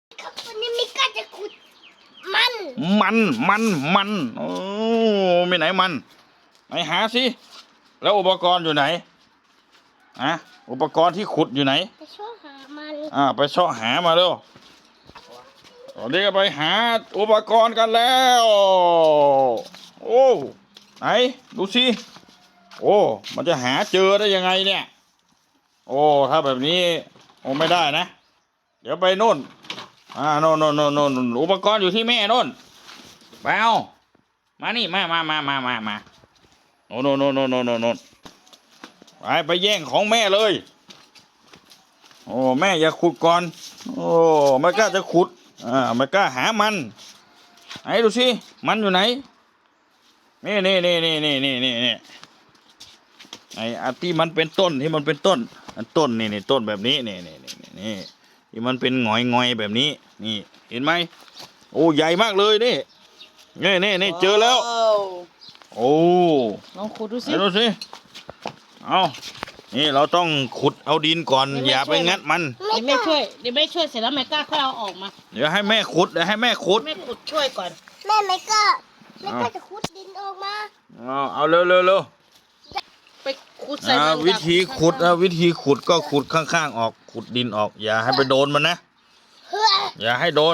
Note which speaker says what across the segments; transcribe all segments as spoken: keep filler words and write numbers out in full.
Speaker 1: ครับวันนี้มิก้าจะขุดมัน
Speaker 2: มันมันมันโอ้ไม่ไหนมันไหนหาสิแล้วอุปกรณ์อยู่ไหนอะอุปกรณ์ที่ขุดอยู่ไหน
Speaker 1: ไปช่วยหามัน
Speaker 2: อ่าไปเสาะหามาเร็วตอนนี้ก็ไปหาอุปกรณ์กันแล้วโอ้ไหนดูสิโอ้มันจะหาเจอได้ยังไงเนี่ยโอ้ถ้าแบบนี้โอ้ไม่ได้นะเดี๋ยวไปโน่นอ่าโน่นโน่นโน่นโน่นอุปกรณ์อยู่ที่แม่โน่นไปเอามานี่มามามามามามาโน่นโน่นโน่นโน่นโน่นโน่นไปไปแย่งของแม่เลยโอ้แม่อย่าขุดก่อนโอ้ไม่กล้าจะขุดอ่าไม่กล้าหามันไหนดูสิมันอยู่ไหนนี่นี่นี่นี่นี่นี่นี่นี่ไอ้อันที่มันเป็นต้นที่มันเป็นต้นอันต้นนี่นี่ต้นแบบนี้นี่นี่นี่นี่นี่ที่มันเป็นหงอยงอยแบบนี้นี่เห็นไหมโอ้ใหญ่มากเลยนี่นี่นี่นี่เจอแล้วโอ้
Speaker 3: ลองขุดดูสิ
Speaker 2: ดูสิเอานี่เราต้องขุดเอาดินก่อนอย่าไปงัดมัน
Speaker 3: เดี๋ยวแม่ช่วยเดี๋ยวแม่ช่วยเสร็จแล้วแม่กล้าค่อยเอาออกมา
Speaker 2: เดี๋ยวให้แม่ขุดเดี๋ยวให้แม่ขุด
Speaker 3: แม่ขุดช่วยก่อน
Speaker 1: แม่มิก้ามิก้าจะขุดดินออกมา
Speaker 2: เอาเอาเร็วเร็วเร็ว
Speaker 3: ไปขุดใส่มัน
Speaker 2: วิธีขุดนะวิธีขุดก็ขุดข้างๆออกขุดดินออกอย่าให้ไปโดนมันนะอย่าให้โดน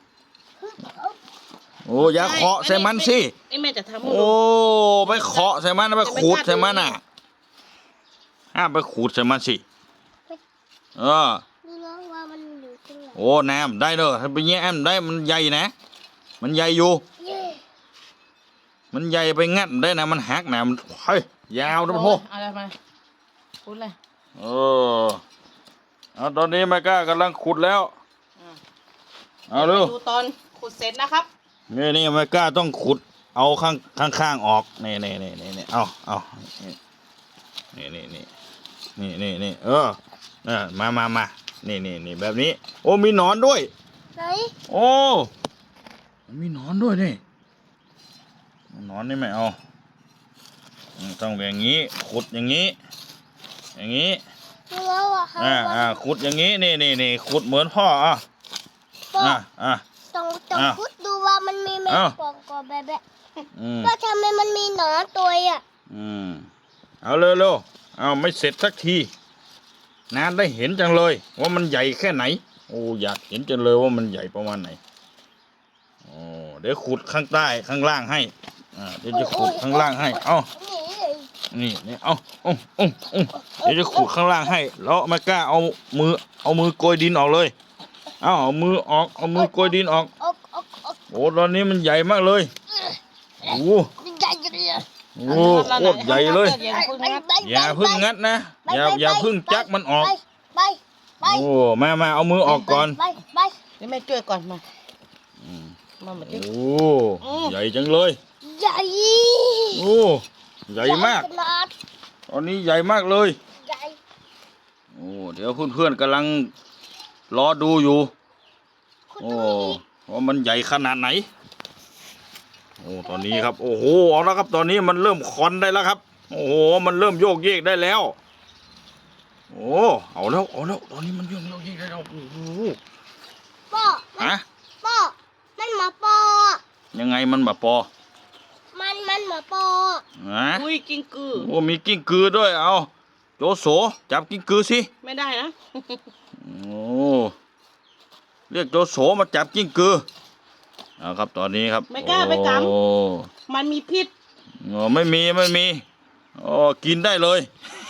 Speaker 2: โอ้อย่าเคาะใส่มันสิ
Speaker 3: ไอ้แม่จะทำ
Speaker 2: โอ้ไปเคาะใส่มันไปขูดใส่มันอ่ะห้ามไปขูดใส่มันสิเออโอ้น้ำได้เนอะถ้าไปแย่มได้มันใหญ่นะมันใหญ่อยู่มันใหญ่ไปงัดได้นะมันหักนะมันเฮ้ยยาวนะพ่อ
Speaker 3: อะไรมาขุดเลย
Speaker 2: เออเอาตอนนี้แม่ก้ากำลังขุดแล้วเอาเร็ว
Speaker 3: ดูตอนขุดเสร็จนะครับ
Speaker 2: นี่นี่แม่ก้าต้องขุดเอาข้างข้างข้างออกนี่นี่นี่นี่นี่เอาเอานี่นี่นี่นี่นี่นี่เออเออมามามานี่นี่นี่แบบนี้โอ้มีหนอนด้วย
Speaker 1: ไหน
Speaker 2: โอ้มีหนอนด้วยนี่หนอนนี่ไม่เอาต้องแบบนี้ขุดอย่างนี้อย่างนี้อ่าอ่าขุดอย่างนี้นี่นี่นี่ขุดเหมือนพ่ออ่ะอ่ะอ่ะ
Speaker 1: ต้องต้องขุดดูว่ามันมีแมงป่องก่อแบบแบบก็ทำไมมันมีหนอนตัวอ่ะ
Speaker 2: อืมเอาเร็วเร็วเอาไม่เสร็จสักทีนานได้เห็นจังเลยว่ามันใหญ่แค่ไหนโอ้อยากเห็นจังเลยว่ามันใหญ่ประมาณไหนโอ้เดี๋ยวขุดข้างใต้ข้างล่างให้อ่าเดี๋ยวจะขุดข้างล่างให้เอานี่นี่เอาเอาเอาเอาเดี๋ยวจะขุดข้างล่างให้แล้วไม่กล้าเอามือเอามือโกยดินออกเลยเอาเอามือออกเอามือโกยดินออกโอ้ตอนนี้มันใหญ่มากเลยโอ้โอ้โคตรใหญ่เลยอย่าพึ่งงัดนะอย่าอย่าพึ่งจักมันออกโอ้มามาเอามือออกก่อน
Speaker 3: นี่แม่ช่วยก่อนมามามา
Speaker 2: โอ้ใหญ่จังเลย
Speaker 1: ใหญ่
Speaker 2: โอ้ใหญ่มากตอนนี้ใหญ่มากเลยโอ้เดี๋ยวเพื่อนๆกำลังรอดูอยู่โอ้ว่ามันใหญ่ขนาดไหนโอ้ตอนนี้ครับโอ้โหเอาแล้วครับตอนนี้มันเริ่มคอนได้แล้วครับโอ้โหมันเริ่มโยกเยกได้แล้วโอ้เอาแล้วเอาแล้วตอนนี้มันโยกโยกเยกได้แล้วโอ้โห
Speaker 1: ป้อ
Speaker 2: ฮะ
Speaker 1: ป้อมันหมาปอ
Speaker 2: ยังไงมันแบบปอ
Speaker 1: มันมันหมาปอ
Speaker 2: ฮะ
Speaker 3: อุ้ยกิ้งกือ
Speaker 2: โอ้มีกิ้งกือด้วยเอาโจโสจับกิ้งกือสิ
Speaker 3: ไม่ได้นะ
Speaker 2: โอ้เรียกโจโสมาจับกิ้งกือเอาครับตอนนี้ครับ
Speaker 3: ไม่กล้าไปกำมันมีพิษ
Speaker 2: อ๋อไม่มีไม่มีอ๋อกินได้เลย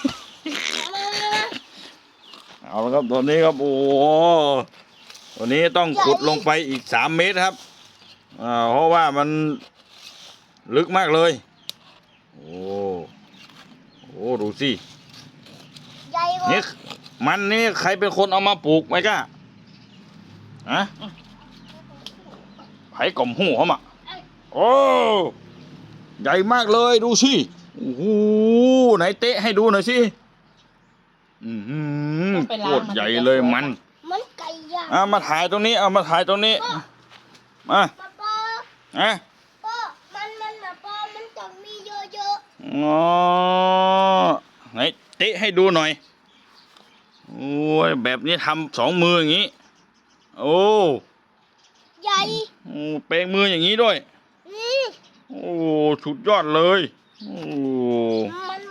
Speaker 2: เอาละครับตอนนี้ครับโอ้ตอนนี้ต้องขุดลงไปอีกสามเมตรครับอ่าเพราะว่ามันลึกมากเลยโอ้โหดูสินี่มันนี่ใครเป็นคนเอามาปลูกไหมก้าฮะไผ่กล่อมหูเขามาโอ้ใหญ่มากเลยดูสิโอ้โหไหนเตะให้ดูหน่อยสิอืมโคตรใหญ่เลยมัน
Speaker 1: มันไก่ย่าง
Speaker 2: อ่ะมาถ่ายตรงนี้เอามาถ่ายตรงนี้มาอ่ะ
Speaker 1: ป้อมันมันนะป้อมันต้องมีเยอะ
Speaker 2: ๆอ๋อไหนเตะให้ดูหน่อยโอ้ยแบบนี้ทำสองมืออย่างนี้โอ้โอ้เปลงมืออย่างนี้ด้วย
Speaker 1: นี่
Speaker 2: โอ้สุดยอดเลย โอ้
Speaker 1: มัน